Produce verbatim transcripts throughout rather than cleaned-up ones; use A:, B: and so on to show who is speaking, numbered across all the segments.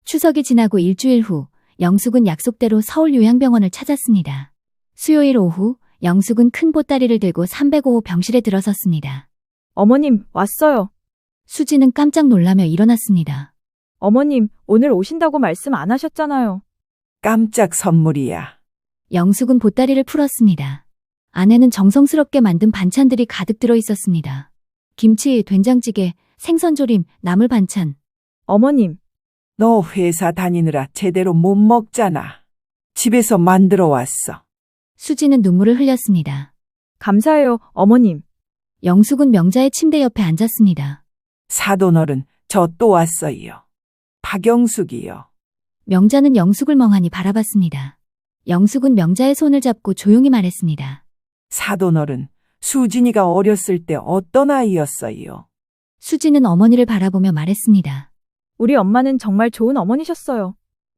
A: 추석이 지나고 일주일 후 영숙은 약속대로 서울 요양병원을 찾았습니다. 수요일 오후 영숙은 큰 보따리를 들고 삼백오 호 병실에 들어섰습니다.
B: 어머님, 왔어요.
A: 수지는 깜짝 놀라며 일어났습니다.
B: 어머님, 오늘 오신다고 말씀 안 하셨잖아요.
C: 깜짝 선물이야.
A: 영숙은 보따리를 풀었습니다. 안에는 정성스럽게 만든 반찬들이 가득 들어 있었습니다. 김치, 된장찌개, 생선조림, 나물 반찬.
B: 어머님,
C: 너 회사 다니느라 제대로 못 먹잖아. 집에서 만들어 왔어.
A: 수지는 눈물을 흘렸습니다.
B: 감사해요, 어머님.
A: 영숙은 명자의 침대 옆에 앉았습니다.
C: 사돈어른, 저 또 왔어요. 박영숙이요.
A: 명자는 영숙을 멍하니 바라봤습니다. 영숙은 명자의 손을 잡고 조용히 말했습니다.
C: 사돈어른, 수진이가 어렸을 때 어떤 아이였어요?
A: 수지는 어머니를 바라보며 말했습니다.
B: 우리 엄마는 정말 좋은 어머니셨어요.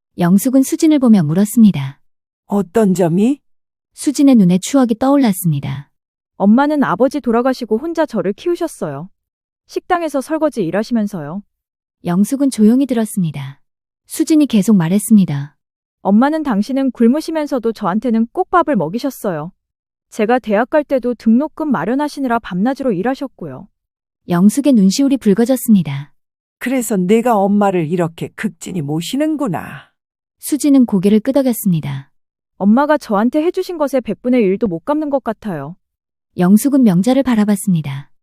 A: 영숙은 수진을 보며 물었습니다.
C: 어떤 점이?
A: 수진의 눈에 추억이 떠올랐습니다.
B: 엄마는 아버지 돌아가시고 혼자 저를 키우셨어요. 식당에서 설거지 일하시면서요.
A: 영숙은 조용히 들었습니다. 수진이 계속 말했습니다.
B: 엄마는 당신은 굶으시면서도 저한테는 꼭 밥을 먹이셨어요. 제가 대학 갈 때도 등록금 마련하시느라 밤낮으로 일하셨고요.
A: 영숙의 눈시울이 붉어졌습니다.
C: 그래서 내가 엄마를 이렇게 극진히 모시는구나.
A: 수지는 고개를 끄덕였습니다.
B: 엄마가 저한테 해주신 것의 백분의 일도 못 갚는 것 같아요.
A: 영숙은 명자를 바라봤습니다.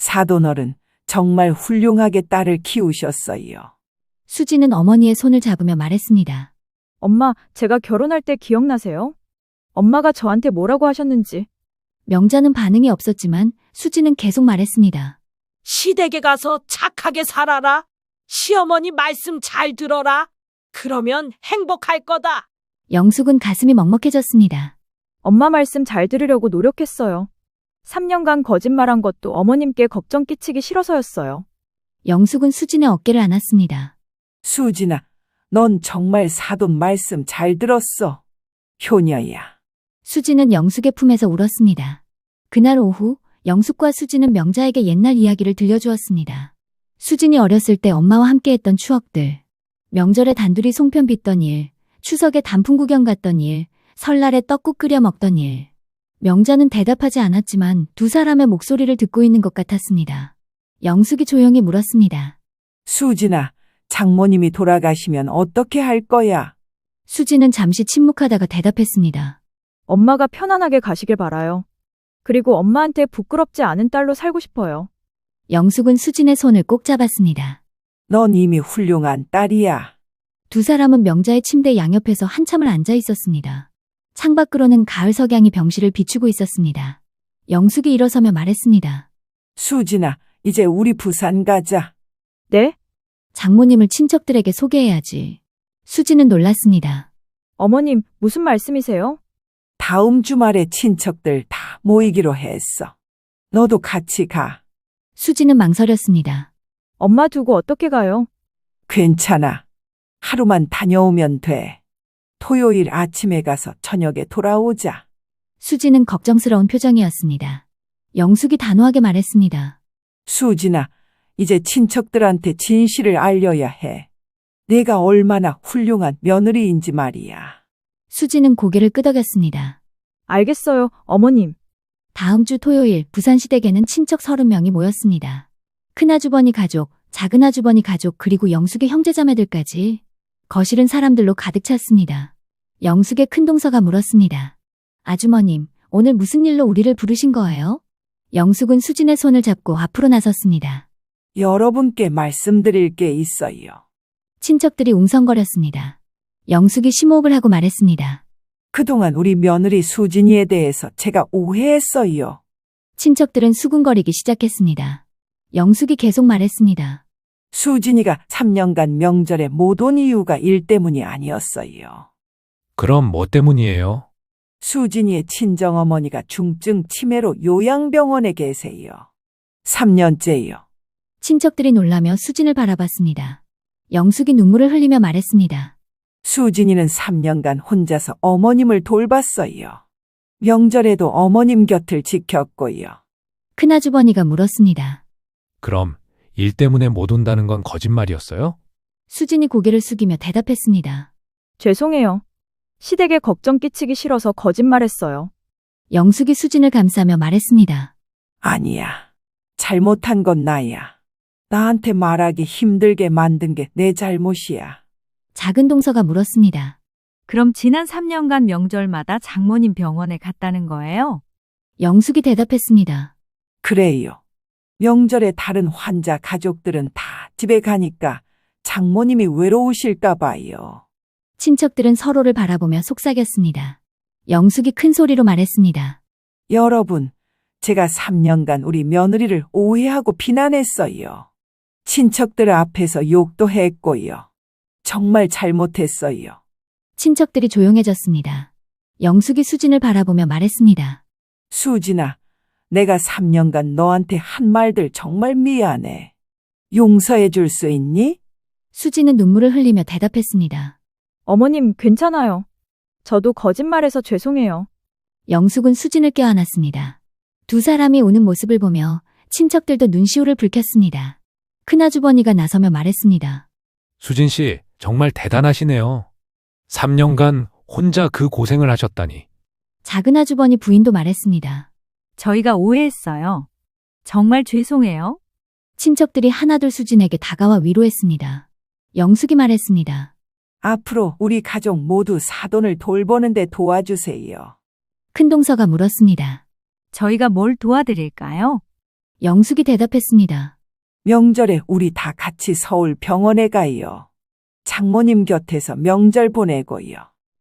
C: 사돈어른, 정말 훌륭하게 딸을 키우셨어요.
A: 수지는 어머니의 손을 잡으며 말했습니다.
B: 엄마, 제가 결혼할 때 기억나세요? 엄마가 저한테 뭐라고 하셨는지.
A: 명자는 반응이 없었지만 수지는 계속 말했습니다.
D: 시댁에 가서 착하게 살아라. 시어머니 말씀 잘 들어라. 그러면 행복할 거다.
A: 영숙은 가슴이 먹먹해졌습니다.
B: 엄마 말씀 잘 들으려고 노력했어요. 삼 년간 거짓말한 것도 어머님께 걱정 끼치기 싫어서였어요.
A: 영숙은 수진의 어깨를 안았습니다.
C: 수진아, 넌 정말 사돈 말씀 잘 들었어. 효녀야.
A: 수지는 영숙의 품에서 울었습니다. 그날 오후 영숙과 수지는 명자에게 옛날 이야기를 들려주었습니다. 수진이 어렸을 때 엄마와 함께했던 추억들, 명절에 단둘이 송편 빚던 일, 추석에 단풍 구경 갔던 일, 설날에 떡국 끓여 먹던 일. 명자는 대답하지 않았지만 두 사람의 목소리를 듣고 있는 것 같았습니다. 영숙이 조용히 물었습니다.
C: 수진아, 장모님이 돌아가시면 어떻게 할 거야?
A: 수지는 잠시 침묵하다가 대답했습니다.
B: 엄마가 편안하게 가시길 바라요. 그리고 엄마한테 부끄럽지 않은 딸로 살고 싶어요.
A: 영숙은 수진의 손을 꼭 잡았습니다.
C: 넌 이미 훌륭한 딸이야.
A: 두 사람은 명자의 침대 양옆에서 한참을 앉아 있었습니다. 창밖으로는 가을 석양이 병실을 비추고 있었습니다. 영숙이 일어서며 말했습니다.
C: 수진아, 이제 우리 부산 가자.
B: 네?
A: 장모님을 친척들에게 소개해야지. 수지는 놀랐습니다.
B: 어머님, 무슨 말씀이세요?
C: 다음 주말에 친척들 다 모이기로 했어. 너도 같이 가.
A: 수지는 망설였습니다.
B: 엄마 두고 어떻게 가요?
C: 괜찮아. 하루만 다녀오면 돼. 토요일 아침에 가서 저녁에 돌아오자.
A: 수지는 걱정스러운 표정이었습니다. 영숙이 단호하게 말했습니다.
C: 수진아, 이제 친척들한테 진실을 알려야 해. 내가 얼마나 훌륭한 며느리인지 말이야.
A: 수지는 고개를 끄덕였습니다.
B: 알겠어요, 어머님.
A: 다음 주 토요일 부산시댁에는 친척 서른 명이 모였습니다. 큰아주버니 가족, 작은아주버니 가족 그리고 영숙의 형제자매들까지. 거실은 사람들로 가득 찼습니다. 영숙의 큰동서가 물었습니다. 아주머님, 오늘 무슨 일로 우리를 부르신 거예요? 영숙은 수진의 손을 잡고 앞으로 나섰습니다.
C: 여러분께 말씀드릴 게 있어요.
A: 친척들이 웅성거렸습니다. 영숙이 심호흡을 하고 말했습니다.
C: 그동안 우리 며느리 수진이에 대해서 제가 오해했어요.
A: 친척들은 수군거리기 시작했습니다. 영숙이 계속 말했습니다.
C: 수진이가 삼 년간 명절에 못 온 이유가 일 때문이 아니었어요.
E: 그럼 뭐 때문이에요?
C: 수진이의 친정어머니가 중증 치매로 요양병원에 계세요. 삼 년째요.
A: 친척들이 놀라며 수진을 바라봤습니다. 영숙이 눈물을 흘리며 말했습니다.
C: 수진이는 삼 년간 혼자서 어머님을 돌봤어요. 명절에도 어머님 곁을 지켰고요.
A: 큰아주버니가 물었습니다.
E: 그럼 일 때문에 못 온다는 건 거짓말이었어요?
A: 수진이 고개를 숙이며 대답했습니다.
B: 죄송해요. 시댁에 걱정 끼치기 싫어서 거짓말했어요.
A: 영숙이 수진을 감싸며 말했습니다.
C: 아니야. 잘못한 건 나야. 나한테 말하기 힘들게 만든 게 내 잘못이야.
A: 작은 동서가 물었습니다.
F: 그럼 지난 삼 년간 명절마다 장모님 병원에 갔다는 거예요?
A: 영숙이 대답했습니다.
C: 그래요. 명절에 다른 환자 가족들은 다 집에 가니까 장모님이 외로우실까 봐요.
A: 친척들은 서로를 바라보며 속삭였습니다. 영숙이 큰 소리로 말했습니다.
C: 여러분, 제가 삼 년간 우리 며느리를 오해하고 비난했어요. 친척들 앞에서 욕도 했고요. 정말 잘못했어요.
A: 친척들이 조용해졌습니다. 영숙이 수진을 바라보며 말했습니다.
C: 수진아, 내가 삼 년간 너한테 한 말들 정말 미안해. 용서해 줄 수 있니?
A: 수진은 눈물을 흘리며 대답했습니다.
B: 어머님, 괜찮아요. 저도 거짓말해서 죄송해요.
A: 영숙은 수진을 껴안았습니다. 두 사람이 우는 모습을 보며 친척들도 눈시울을 붉혔습니다. 큰아주버니가 나서며 말했습니다.
E: 수진 씨, 정말 대단하시네요. 삼 년간 혼자 그 고생을 하셨다니.
A: 작은아주버니 부인도 말했습니다.
F: 저희가 오해했어요. 정말 죄송해요.
A: 친척들이 하나둘 수진에게 다가와 위로했습니다. 영숙이 말했습니다.
C: 앞으로 우리 가족 모두 사돈을 돌보는데 도와주세요.
A: 큰동서가 물었습니다.
F: 저희가 뭘 도와드릴까요?
A: 영숙이 대답했습니다.
C: 명절에 우리 다 같이 서울 병원에 가요. 장모님 곁에서 명절 보내고요.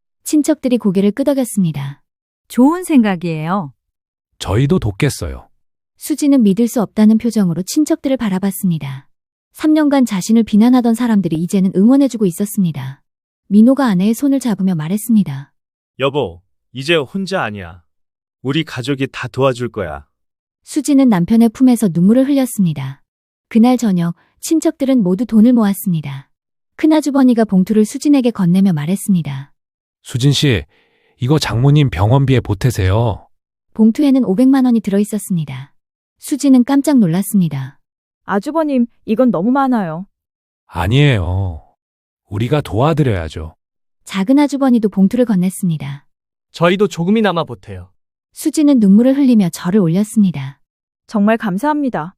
A: 친척들이 고개를 끄덕였습니다.
F: 좋은 생각이에요.
E: 저희도 돕겠어요.
A: 수지는 믿을 수 없다는 표정으로 친척들을 바라봤습니다. 삼 년간 자신을 비난하던 사람들이 이제는 응원해주고 있었습니다. 민호가 아내의 손을 잡으며 말했습니다.
G: 여보, 이제 혼자 아니야. 우리 가족이 다 도와줄 거야.
A: 수지는 남편의 품에서 눈물을 흘렸습니다. 그날 저녁 친척들은 모두 돈을 모았습니다. 큰아주버니가 봉투를 수진에게 건네며 말했습니다.
E: 수진 씨, 이거 장모님 병원비에 보태세요.
A: 봉투에는 오백만 원이 들어있었습니다. 수지는 깜짝 놀랐습니다.
B: 아주버님, 이건 너무 많아요.
E: 아니에요. 우리가 도와드려야죠.
A: 작은아주버니도 봉투를 건넸습니다.
H: 저희도 조금이나마 보태요.
A: 수지는 눈물을 흘리며 절을 올렸습니다.
B: 정말 감사합니다.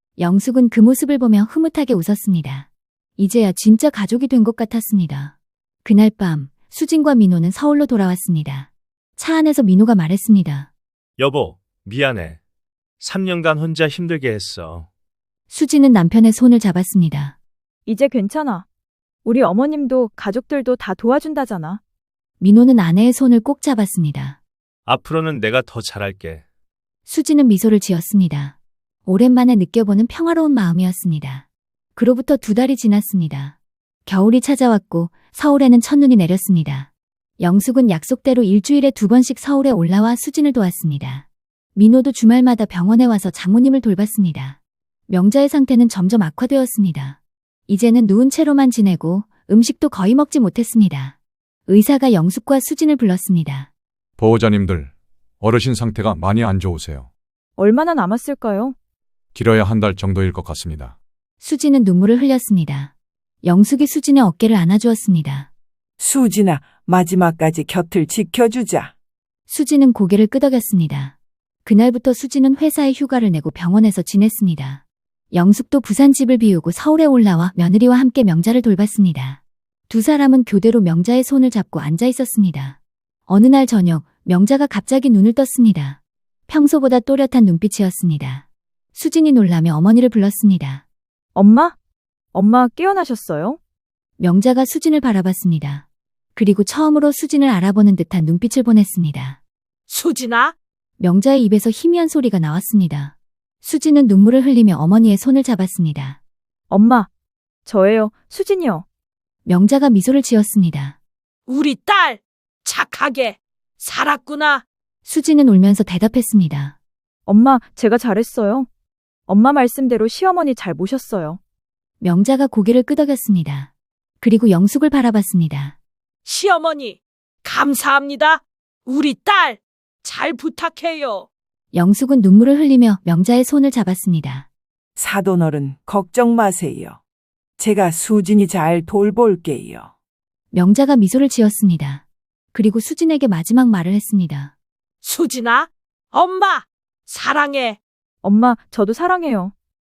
A: 영숙은 그 모습을 보며 흐뭇하게 웃었습니다. 이제야 진짜 가족이 된 것 같았습니다. 그날 밤 수진과 민호는 서울로 돌아왔습니다. 차 안에서 민호가 말했습니다.
G: 여보, 미안해. 삼 년간 혼자 힘들게 했어.
A: 수진은 남편의 손을 잡았습니다.
B: 이제 괜찮아. 우리 어머님도 가족들도 다 도와준다잖아.
A: 민호는 아내의 손을 꼭 잡았습니다.
G: 앞으로는 내가 더 잘할게.
A: 수지는 미소를 지었습니다. 오랜만에 느껴보는 평화로운 마음이었습니다. 그로부터 두 달이 지났습니다. 겨울이 찾아왔고 서울에는 첫눈이 내렸습니다. 영숙은 약속대로 일주일에 두 번씩 서울에 올라와 수진을 도왔습니다. 민호도 주말마다 병원에 와서 장모님을 돌봤습니다. 명자의 상태는 점점 악화되었습니다. 이제는 누운 채로만 지내고 음식도 거의 먹지 못했습니다. 의사가 영숙과 수진을 불렀습니다.
I: 보호자님들, 어르신 상태가 많이 안 좋으세요.
B: 얼마나 남았을까요?
I: 길어야 한 달 정도일 것 같습니다.
A: 수진은 눈물을 흘렸습니다. 영숙이 수진의 어깨를 안아주었습니다.
C: 수진아, 마지막까지 곁을 지켜주자.
A: 수진은 고개를 끄덕였습니다. 그날부터 수진은 회사에 휴가를 내고 병원에서 지냈습니다. 영숙도 부산 집을 비우고 서울에 올라와 며느리와 함께 명자를 돌봤습니다. 두 사람은 교대로 명자의 손을 잡고 앉아 있었습니다. 어느 날 저녁, 명자가 갑자기 눈을 떴습니다. 평소보다 또렷한 눈빛이었습니다. 수진이 놀라며 어머니를 불렀습니다.
B: 엄마? 엄마 깨어나셨어요?
A: 명자가 수진을 바라봤습니다. 그리고 처음으로 수진을 알아보는 듯한 눈빛을 보냈습니다.
D: 수진아,
A: 명자의 입에서 희미한 소리가 나왔습니다. 수진은 눈물을 흘리며 어머니의 손을 잡았습니다.
B: 엄마, 저예요, 수진이요.
A: 명자가 미소를 지었습니다.
D: 우리 딸 착하게 살았구나.
A: 수진은 울면서 대답했습니다.
B: 엄마, 제가 잘했어요. 엄마 말씀대로 시어머니 잘 모셨어요.
A: 명자가 고개를 끄덕였습니다. 그리고 영숙을 바라봤습니다.
D: 시어머니, 감사합니다. 우리 딸 잘 부탁해요.
A: 영숙은 눈물을 흘리며 명자의 손을 잡았습니다.
C: 사돈어른, 걱정 마세요. 제가 수진이 잘 돌볼게요.
A: 명자가 미소를 지었습니다. 그리고 수진에게 마지막 말을 했습니다.
D: 수진아, 엄마, 사랑해.
B: 엄마, 저도 사랑해요.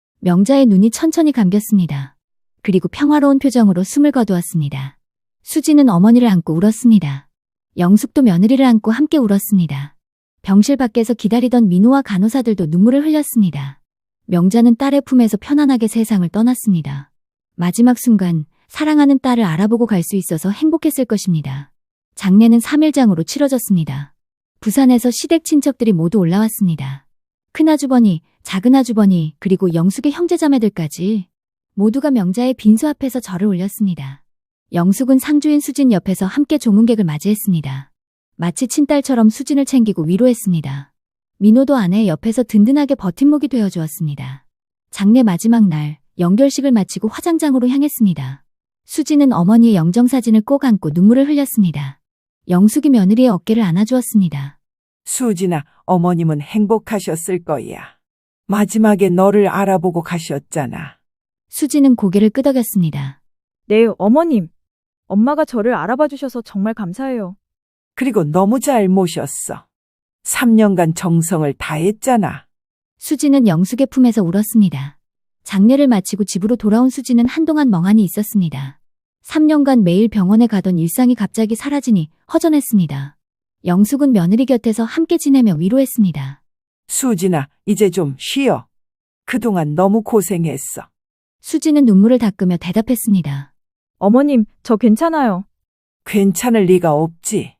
A: 명자의 눈이 천천히 감겼습니다. 그리고 평화로운 표정으로 숨을 거두었습니다. 수진은 어머니를 안고 울었습니다. 영숙도 며느리를 안고 함께 울었습니다. 병실 밖에서 기다리던 민호와 간호사들도 눈물을 흘렸습니다. 명자는 딸의 품에서 편안하게 세상을 떠났습니다. 마지막 순간 사랑하는 딸을 알아보고 갈 수 있어서 행복했을 것입니다. 장례는 삼 일장으로 치러졌습니다. 부산에서 시댁 친척들이 모두 올라왔습니다. 큰아주버니, 작은아주버니, 그리고 영숙의 형제자매들까지 모두가 명자의 빈소 앞에서 절을 올렸습니다. 영숙은 상주인 수진 옆에서 함께 조문객을 맞이했습니다. 마치 친딸처럼 수진을 챙기고 위로했습니다. 민호도 아내의 옆에서 든든하게 버팀목이 되어주었습니다. 장례 마지막 날, 영결식을 마치고 화장장으로 향했습니다. 수진은 어머니의 영정사진을 꼭 안고 눈물을 흘렸습니다. 영숙이 며느리의 어깨를 안아주었습니다.
C: 수진아, 어머님은 행복하셨을 거야. 마지막에 너를 알아보고 가셨잖아.
A: 수진은 고개를 끄덕였습니다.
B: 네, 어머님. 엄마가 저를 알아봐 주셔서 정말 감사해요.
C: 그리고 너무 잘 모셨어. 삼 년간 정성을 다했잖아.
A: 수진은 영숙의 품에서 울었습니다. 장례를 마치고 집으로 돌아온 수진은 한동안 멍하니 있었습니다. 삼 년간 매일 병원에 가던 일상이 갑자기 사라지니 허전했습니다. 영숙은 며느리 곁에서 함께 지내며 위로했습니다.
C: 수진아, 이제 좀 쉬어. 그동안 너무 고생했어.
A: 수진은 눈물을 닦으며 대답했습니다.
B: 어머님, 저 괜찮아요.
C: 괜찮을 리가 없지.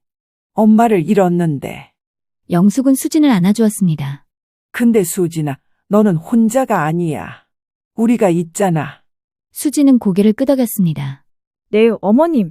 C: 엄마를 잃었는데.
A: 영숙은 수진을 안아주었습니다.
C: 근데 수진아, 너는 혼자가 아니야. 우리가 있잖아.
A: 수진은 고개를 끄덕였습니다.
B: 네, 어머님.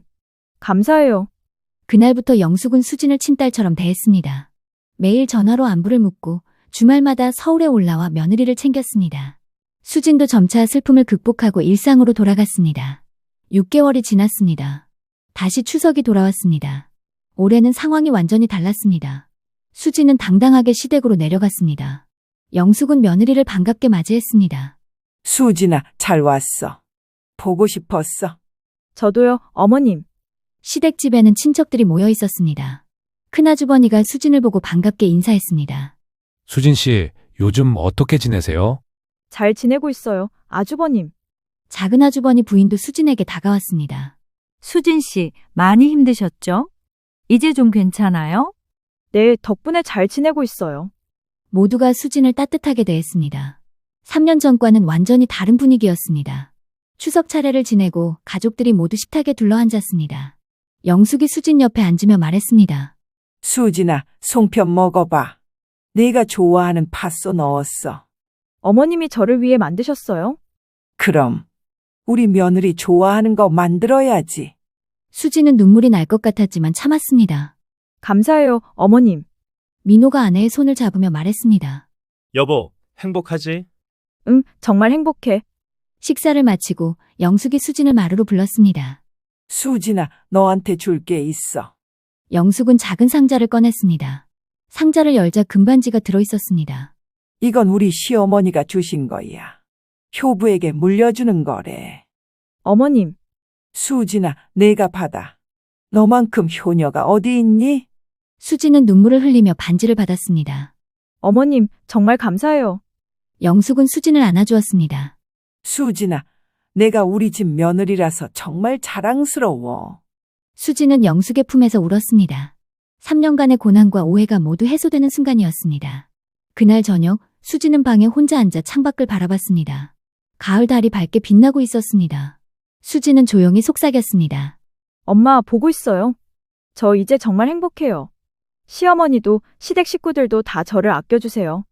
B: 감사해요.
A: 그날부터 영숙은 수진을 친딸처럼 대했습니다. 매일 전화로 안부를 묻고 주말마다 서울에 올라와 며느리를 챙겼습니다. 수진도 점차 슬픔을 극복하고 일상으로 돌아갔습니다. 육 개월이 지났습니다. 다시 추석이 돌아왔습니다. 올해는 상황이 완전히 달랐습니다. 수진은 당당하게 시댁으로 내려갔습니다. 영숙은 며느리를 반갑게 맞이했습니다.
C: 수진아, 잘 왔어. 보고 싶었어.
B: 저도요, 어머님.
A: 시댁집에는 친척들이 모여 있었습니다. 큰아주버니가 수진을 보고 반갑게 인사했습니다.
E: 수진 씨, 요즘 어떻게 지내세요?
B: 잘 지내고 있어요, 아주버님.
A: 작은아주버니 부인도 수진에게 다가왔습니다.
F: 수진 씨, 많이 힘드셨죠? 이제 좀 괜찮아요?
B: 네, 덕분에 잘 지내고 있어요.
A: 모두가 수진을 따뜻하게 대했습니다. 삼 년 전과는 완전히 다른 분위기였습니다. 추석 차례를 지내고 가족들이 모두 식탁에 둘러앉았습니다. 영숙이 수진 옆에 앉으며 말했습니다.
C: 수진아, 송편 먹어봐. 내가 좋아하는 팥소 넣었어.
B: 어머님이 저를 위해 만드셨어요?
C: 그럼 우리 며느리 좋아하는 거 만들어야지.
A: 수진은 눈물이 날 것 같았지만 참았습니다.
B: 감사해요, 어머님.
A: 민호가 아내의 손을 잡으며 말했습니다.
G: 여보, 행복하지?
B: 응, 정말 행복해.
A: 식사를 마치고 영숙이 수진을 마루로 불렀습니다.
C: 수진아, 너한테 줄 게 있어.
A: 영숙은 작은 상자를 꺼냈습니다. 상자를 열자 금반지가 들어있었습니다.
C: 이건 우리 시어머니가 주신 거야. 효부에게 물려주는 거래.
B: 어머님,
C: 수진아, 내가 받아. 너만큼 효녀가 어디 있니?
A: 수진은 눈물을 흘리며 반지를 받았습니다.
B: 어머님, 정말 감사해요.
A: 영숙은 수진을 안아주었습니다.
C: 수진아, 내가 우리 집 며느리라서 정말 자랑스러워.
A: 수진은 영숙의 품에서 울었습니다. 삼 년간의 고난과 오해가 모두 해소되는 순간이었습니다. 그날 저녁, 수진은 방에 혼자 앉아 창밖을 바라봤습니다. 가을 달이 밝게 빛나고 있었습니다. 수진은 조용히 속삭였습니다.
B: 엄마, 보고 있어요. 저 이제 정말 행복해요. 시어머니도 시댁 식구들도 다 저를 아껴주세요.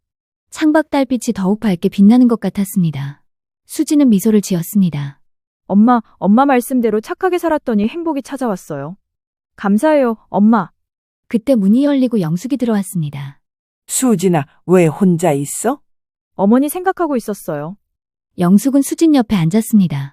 A: 창밖 달빛이 더욱 밝게 빛나는 것 같았습니다. 수진은 미소를 지었습니다.
B: 엄마, 엄마 말씀대로 착하게 살았더니 행복이 찾아왔어요. 감사해요, 엄마.
A: 그때 문이 열리고 영숙이 들어왔습니다.
C: 수진아, 왜 혼자 있어?
B: 어머니 생각하고 있었어요.
A: 영숙은 수진 옆에 앉았습니다.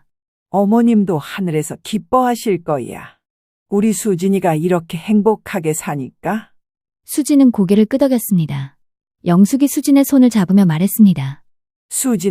C: 어머님도 하늘에서 기뻐하실 거야. 우리 수진이가 이렇게 행복하게 사니까.
A: 수진은 고개를 끄덕였습니다. 영숙이 수진의 손을 잡으며 말했습니다.
C: 수진아,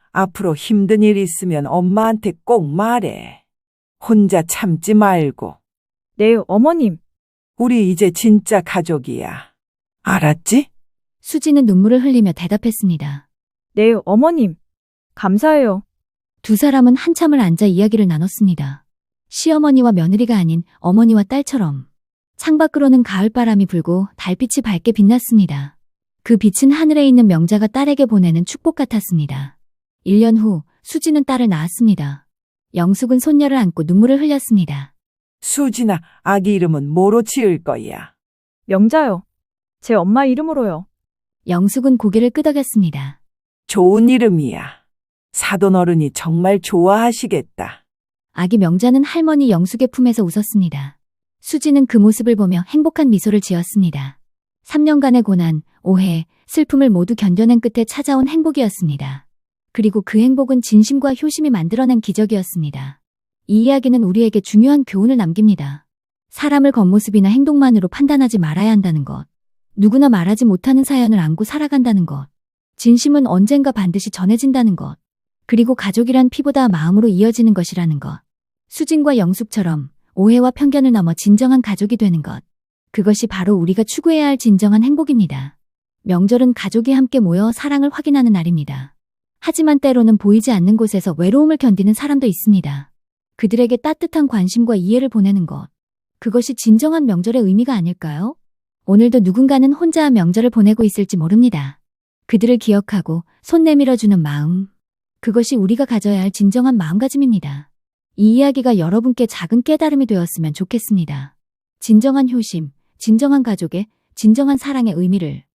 C: 앞으로 힘든 일 있으면 엄마한테 꼭 말해. 혼자 참지 말고.
B: 네, 어머님.
C: 우리 이제 진짜 가족이야. 알았지?
A: 수지는 눈물을 흘리며 대답했습니다.
B: 네, 어머님. 감사해요.
A: 두 사람은 한참을 앉아 이야기를 나눴습니다. 시어머니와 며느리가 아닌 어머니와 딸처럼. 창밖으로는 가을바람이 불고 달빛이 밝게 빛났습니다. 그 빛은 하늘에 있는 명자가 딸에게 보내는 축복 같았습니다. 일 년 후 수지는 딸을 낳았습니다. 영숙은 손녀를 안고 눈물을 흘렸습니다.
C: 수진아, 아기 이름은 뭐로 지을 거야?
B: 명자요. 제 엄마 이름으로요.
A: 영숙은 고개를 끄덕였습니다.
C: 좋은 이름이야. 사돈 어른이 정말 좋아하시겠다.
A: 아기 명자는 할머니 영숙의 품에서 웃었습니다. 수지는 그 모습을 보며 행복한 미소를 지었습니다. 삼 년간의 고난, 오해, 슬픔을 모두 견뎌낸 끝에 찾아온 행복이었습니다. 그리고 그 행복은 진심과 효심이 만들어낸 기적이었습니다. 이 이야기는 우리에게 중요한 교훈을 남깁니다. 사람을 겉모습이나 행동만으로 판단하지 말아야 한다는 것. 누구나 말하지 못하는 사연을 안고 살아간다는 것. 진심은 언젠가 반드시 전해진다는 것. 그리고 가족이란 피보다 마음으로 이어지는 것이라는 것. 수진과 영숙처럼 오해와 편견을 넘어 진정한 가족이 되는 것. 그것이 바로 우리가 추구해야 할 진정한 행복입니다. 명절은 가족이 함께 모여 사랑을 확인하는 날입니다. 하지만 때로는 보이지 않는 곳에서 외로움을 견디는 사람도 있습니다. 그들에게 따뜻한 관심과 이해를 보내는 것. 그것이 진정한 명절의 의미가 아닐까요? 오늘도 누군가는 혼자 명절을 보내고 있을지 모릅니다. 그들을 기억하고 손 내밀어주는 마음. 그것이 우리가 가져야 할 진정한 마음가짐입니다. 이 이야기가 여러분께 작은 깨달음이 되었으면 좋겠습니다. 진정한 효심, 진정한 가족의 진정한 사랑의 의미를